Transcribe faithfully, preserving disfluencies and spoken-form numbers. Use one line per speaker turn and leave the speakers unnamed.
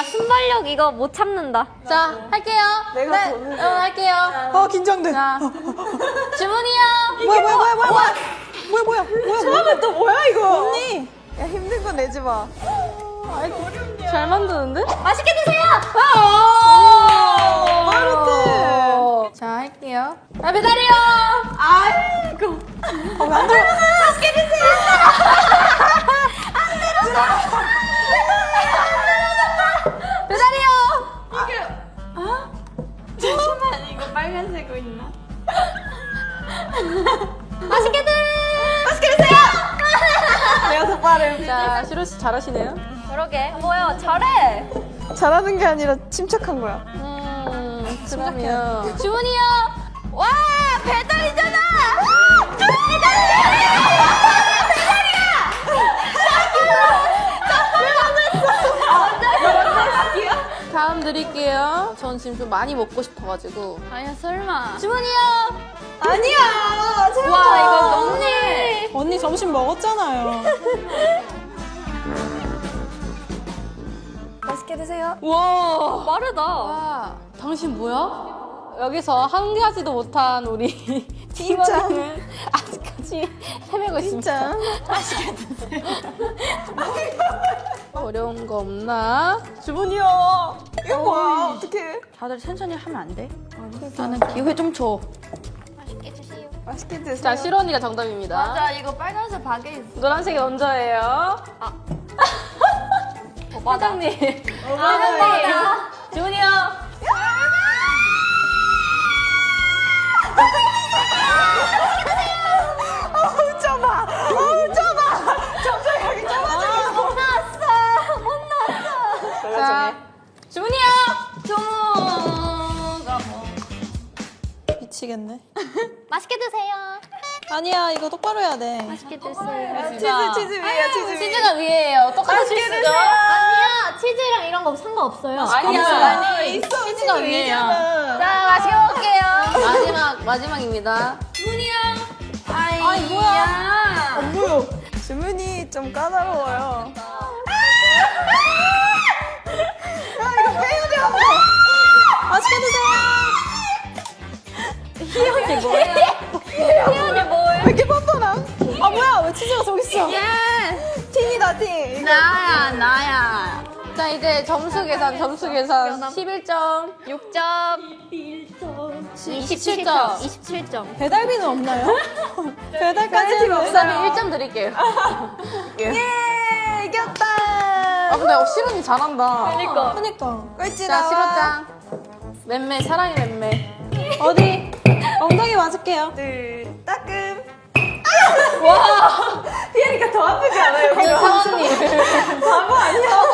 순발력 이거 못 참는다.
자, 할게요.
내가
네,
보는데.
응, 할게요.
아 긴장돼.
자, 주문이요.
뭐야 뭐야 뭐야 뭐야 뭐야 뭐야 뭐야 뭐야 처음에 또 뭐야 이거 언니. 야 힘든 거 내지 마.
잘 만드는데?
맛있게 드세요.
아,
마르트.
자, 할게요. 아, 배달이요.
아이고. 아왜안 들어?
맛있게 드세요.
배달이요.
잠시만 이거 빨간색으로 있나? 맛있게 드. 맛있게 드세요.
내가 더 빠름.
자, 시로 씨 잘하시네요.
그러게. 뭐야 잘해.
잘하는 게 아니라 침착한 거야.
음, 그러면
주문이요. 와 배달이잖아.
다음 드릴게요. 전 지금 좀 많이 먹고 싶어가지고.
아니야 설마.
주문이요.
아니야.
와 이거 너무해.
언니 점심 먹었잖아요.
맛있게 드세요.
와.
빠르다.
와, 당신 뭐야? 여기서 한 가지도 못한 우리 팀원을 아직까지 헤매고 있습니다.
진짜.
맛있게 드세요. 어려운 거 없나?
주문이요. 이거 뭐야? 어떡해.
다들 천천히 하면 안 돼? 나는 기회 좀 줘.
맛있게 드세요.
맛있게 드세요.
자, 시로 언니가 정답입니다.
맞아 이거 빨간색 박에 있어.
노란색이 먼저예요. 사장님.
오바다.
주문이요.
어우 좁아. 어우 좁아. 점점 여기 좁아지고.
못 나왔어. 못 나왔어.
자, 주문이요.
주문가 뭐.
미치겠네.
맛있게 드세요.
아니야 이거 똑바로 해야 돼.
맛있게 드세요.
치즈 치즈 위에야 치즈 위.
치즈가 위에요. 똑같은 실수죠?
아니야 치즈랑 이런 거 상관없어요.
아니야. 아니,
있어
치즈가 위에요.
위잖아.
자, 맛있게 먹을게요. 마지막, 마지막입니다.
주문이요.
아이 뭐야? 안 보여. 주문이 좀 까다로워요. 야 이거 빼야 돼 한번. 맛있게 드세요.
희연이 뭐예요?
희연이 뭐예요?
왜 이렇게 뻔뻔함? 아 뭐야 왜 치즈가 저기 있어?
예.
틴이다 틴. 이거.
나야 나야.
자, 이제 점수 계산, 점수 계산. 십일 점.
육 점.
이십칠 점.
이십칠 점.
배달비는 없나요? 배달까지는
그 다음에 일 점 드릴게요. 예.
예 이겼다.
아, 근데 어, 시론이 잘한다.
그러니까.
그니까 꼴찌
자,
나와.
시로짱. 맴매, 사랑의 맴매.
어디? 엉덩이 맞을게요. 둘 따끔.
와!
피하니까 더 아프지 않아요?
사원님.
바보 아니야?